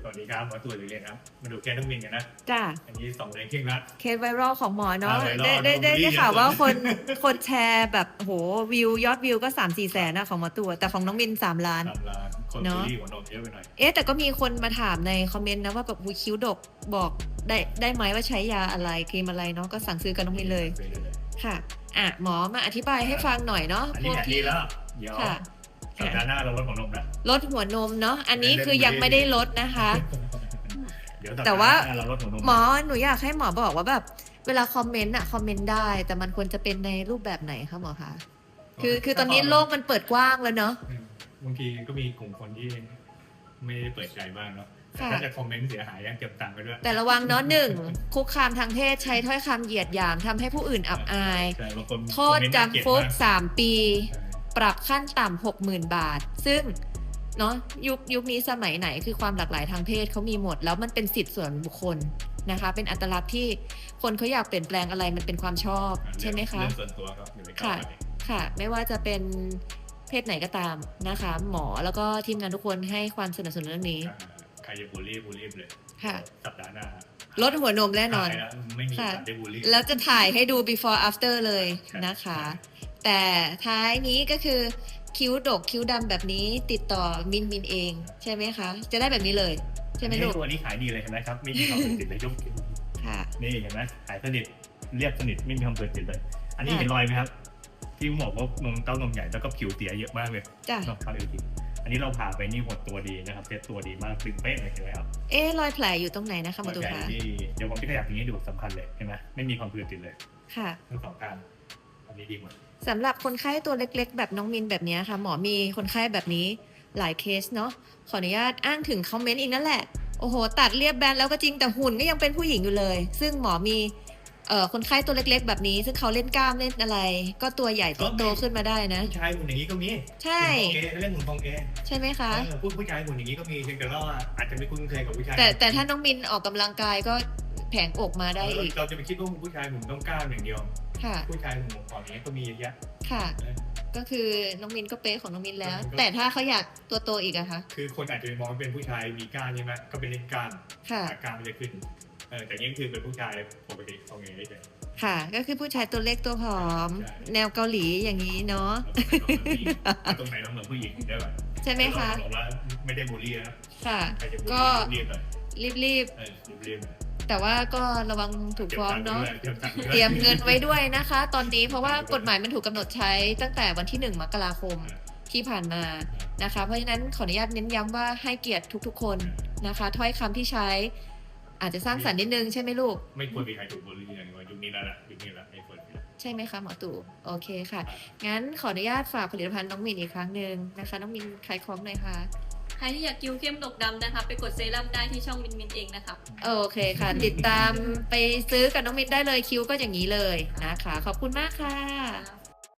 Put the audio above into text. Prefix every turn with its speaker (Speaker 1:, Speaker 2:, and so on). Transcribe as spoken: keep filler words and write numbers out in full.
Speaker 1: วัสดีครับหมอตู่หรือเรียนครับมาดูแกต้องมินกันนะ
Speaker 2: จ้า
Speaker 1: อันนี้สองเดือนครึ่งละ
Speaker 2: เคสไวรัลของหมอเนาะ
Speaker 1: อ่าไวรัล
Speaker 2: ได้ได้ได้
Speaker 1: ดูดี
Speaker 2: ได้ข่าว
Speaker 1: เยอะ
Speaker 2: ว่าคนคนแชร์แบบโหวิวยอดวิวก็สามสี่แสนนะของหมอตู่แต่ของน้องมินสามล้าน
Speaker 1: สามล้านคน
Speaker 2: เน
Speaker 1: บู
Speaker 2: อะ
Speaker 1: ลลี่หัวนมเยอะไปหน่อย
Speaker 2: เอ๊ะแต่ก็มีคนมาถามในคอมเมนต์นะว่าแบบหูคิ้วดกบอกได้ได้ไหมว่าใช้ยาอะไรครีมอะไรเนาะก็สั่งซื้อกับน้องมินเลยค่ะอ่ะหมอมาอธิบายให้ฟังหน่อยเนาะ
Speaker 1: อัน
Speaker 2: พ
Speaker 1: นี้
Speaker 2: วก
Speaker 1: แผนดี
Speaker 2: ที่
Speaker 1: แล้วเดี๋ยว
Speaker 2: ค่ะ
Speaker 1: สัปดาห์หน้าเราลดหัวนมนะ
Speaker 2: ลดหัวนมเนาะอันนี้
Speaker 1: เล่นๆ
Speaker 2: คือยังไม่ได้ลดนะคะ
Speaker 1: เดี๋ยวสัป
Speaker 2: แต่
Speaker 1: ดาห์
Speaker 2: ว่า
Speaker 1: หน้าเราลดหัวนม
Speaker 2: หมอหนูอยากให้หมอบอกว่าแบบเวลาคอมเมนต์อะคอมเมนต์ได้ แต่มันควรจะเป็นในรูปแบบไหนคะหมอคะคือคือตอนนี้โลกมันเปิดกว้างแล้วเนาะ
Speaker 1: อืมบางทีก็มีกลุ่มคนที่ไม่ได้เปิดใจบ้างเนาะแต่
Speaker 2: ค่ะ
Speaker 1: ถ้าจะคอมเมนต์เสียหายยังเก็บตังค์ไปด้วย
Speaker 2: แต่ระวังเนาะหนึ่งคุกคามทางเพศใช้ถ้อยคำเหยียดหยามทำให้ผู้อื่นอับอาย
Speaker 1: ใช่บางคน
Speaker 2: โทษ
Speaker 1: คอมเมนต์น่าเกลียด
Speaker 2: จำคุก
Speaker 1: มาก
Speaker 2: สามปี
Speaker 1: ใช่
Speaker 2: ปรับขั้นต่ำหกหมื่นบาท ซึ่งเนาะยุคยุคนี้สมัยไหนคือความหลากหลายทางเพศเขามีหมด แล้วมันเป็นสิทธิส่วนบุคคลนะคะ เป็นอัตลักษณ์ที่คนเขาอยากเปลี่ยนแปลงอะไรมันเป็นความชอบใช่ไหมคะ
Speaker 1: เรื่องส่วนตัวครับอยู่ในกา
Speaker 2: ค่ะ
Speaker 1: รปฏิ
Speaker 2: ค่ะ ไม่ว่าจะเป็นเพศไหนก็ตามนะคะ หมอแล้วก็ทีมงานทุกคนให้ความสนับสนุนเรื่องนี้
Speaker 1: ใครจะบูลลี่บูลลี่ไปเลย
Speaker 2: ค่ะ
Speaker 1: สัปดาห์หน้า
Speaker 2: ลดหัวนมแน่นอน
Speaker 1: ถ่ายแล้วไม่มี
Speaker 2: ค่ะ
Speaker 1: การได้บูลลี่
Speaker 2: แล้วจะถ่ายให้ดู before after เลยนะคะ แต่ท้ายนี้ก็คือคิ้วดกคิ้วดำแบบนี้ติดต่อมินมินเองใช่ไหมคะ จะได้แบบนี้เลยใช่ไหมลูก
Speaker 1: ตัวนี้ขายดีเลยเห็นไหมครับไม่มีความเปิดติดเลยยุค
Speaker 2: ค่ะ
Speaker 1: นี่เห็นไหมขายสนิทเรียบสนิทไม่มีความเปิดติดเลย อันนี้
Speaker 2: ค่ะ
Speaker 1: เห็นรอยไหมครับที่บอกว่านมเต้านมใหญ่แล้วก็ผิวเสียเยอะมากเลย
Speaker 2: จ้ะ
Speaker 1: นอกจากอื่นอีกอันนี้เราผ่าไปนี่หดตัวดีนะครับเซ็ตตัวดีมากตึงเป๊ะเลยเห็นไหมครับ
Speaker 2: เอ๊ะรอยแผลอยู่ตรงไหนนะคะหมอ
Speaker 1: ร
Speaker 2: ตุ
Speaker 1: อยใหญ่
Speaker 2: คะ
Speaker 1: ที่เดี๋ยวผมจะขยับอย่างนี้ดูสำคัญเลยเห็นไหมไม่มีความเปิดติดเลย
Speaker 2: ค่ะ
Speaker 1: ทั้งสองข้างอันนี้ดีหมด
Speaker 2: สำหรับคนไข้ตัวเล็กๆ แบบน้องมินแบบนี้ค่ะ หมอมีคนไข้แบบนี้หลายเคสเนาะขออนุญาตอ้างถึงคอมเมนต์อีกนั่นแหละโอ้โหตัดเรียบแบนแล้วก็จริงแต่หุ่นก็ยังเป็นผู้หญิงอยู่เลย ซึ่งหมอมีเอ่อคนไข้ตัวเล็กๆ แบบนี้ ซึ่งเขาเล่นกล้ามเล่นอะไร ก็ตัวใหญ่ตัวโตขึ้นมาได้นะ
Speaker 1: ผู้ชายหุ่นอย่างนี้ก็มี
Speaker 2: ใช่
Speaker 1: หุ่นทองเอเรื่องหุ่นทองเอ
Speaker 2: ใช่ไหมคะ
Speaker 1: เออพูดผู้ชายหุ่นอย่างนี้ก็มีเพียงแต่ว่าอาจจะไม่คุ้นเคยกับผู้ชาย
Speaker 2: แต่แต่ถ้าน้องมินออกกำลังกายก็แผงอกมาได้อีก
Speaker 1: เราจะไปคิดว่าผู้ชายหุ่นต้องกล้ามอย่างเดียว
Speaker 2: ค่ะ
Speaker 1: ผู้ชายหุ่นของอย่างนี้ก็มีเยอะแยะ
Speaker 2: ค่ะ
Speaker 1: เออ
Speaker 2: ก็คือน้องมินก็เป๊ะของน้องมินแล้ว
Speaker 1: ก็
Speaker 2: แต่ถ้าเขาอยากตัวโตอีกอะคะ
Speaker 1: คือคนอาจจะมองว่าเป็นผู้ชายมีกล้ามใช่ไหมก็เป็นเล่นกล้าม
Speaker 2: ค่ะ
Speaker 1: กล้ามมันจะขึ้นเออแต่นี่คือเป็นผู้ชายปกติทองเอได้เลย
Speaker 2: ค่ะ ก็คือผู้ชายตัวเล็กตัวผอม
Speaker 1: ใช่
Speaker 2: แนวเกาหลีอย่างนี้เนาะ
Speaker 1: ตรงไหนต้องเหมือนผู้หญิงได้ป่ะ
Speaker 2: ใช่ไหมคะ
Speaker 1: บอกว่าไม่ได้บูลลี่นะ
Speaker 2: ค่ะ
Speaker 1: ใครจะบูล
Speaker 2: ก็
Speaker 1: ลี่เรียบเลย
Speaker 2: รีบ
Speaker 1: เออเรียบ
Speaker 2: ๆ แต่ว่าก็ระวังถูก
Speaker 1: เก็บ
Speaker 2: ฟ้อง
Speaker 1: ตังค์
Speaker 2: เนาะ
Speaker 1: ด้วยเก็บตังค์ด้วย
Speaker 2: เตรียมเงินไว้ด้วยนะคะ ตอนนี้เพราะว่ากฎหมายมันถูกกำหนดใช้ตั้งแต่วันที่หนึ่งมกราคมที่ผ่านมานะคะ เพราะฉะนั้นขออนุญาตเน้นย้ำว่าให้เกียรติทุกๆ คนนะคะ ถ้อยคำที่ใช้ อาจจะสร้างสรรค์นิดนึงใช่ไหมลูก
Speaker 1: ไม่ควรมีใครถูกบูลลี่อย่างนี้ยุคนี้แล้วล่ะยุคนี้แล้วไม่ควรมี
Speaker 2: ใช่ไหมคะหมอตู่โอเคค่ะ งั้นขออนุญาตฝากผลิตภัณฑ์น้องมินอีกครั้งหนึ่งนะคะ น้องมินขายของหน่อยค่ะ
Speaker 3: ใครที่อยากคิ้วเข้มดกดำนะคะ ไปกดเซรั่มได้ที่ช่องมินมินเองนะคะ
Speaker 2: โอเคค่ะ ติดตามไปซื้อกับน้องมินได้เลยคิวก็อย่างนี้เลยนะคะ ขอบคุณมากค่ะ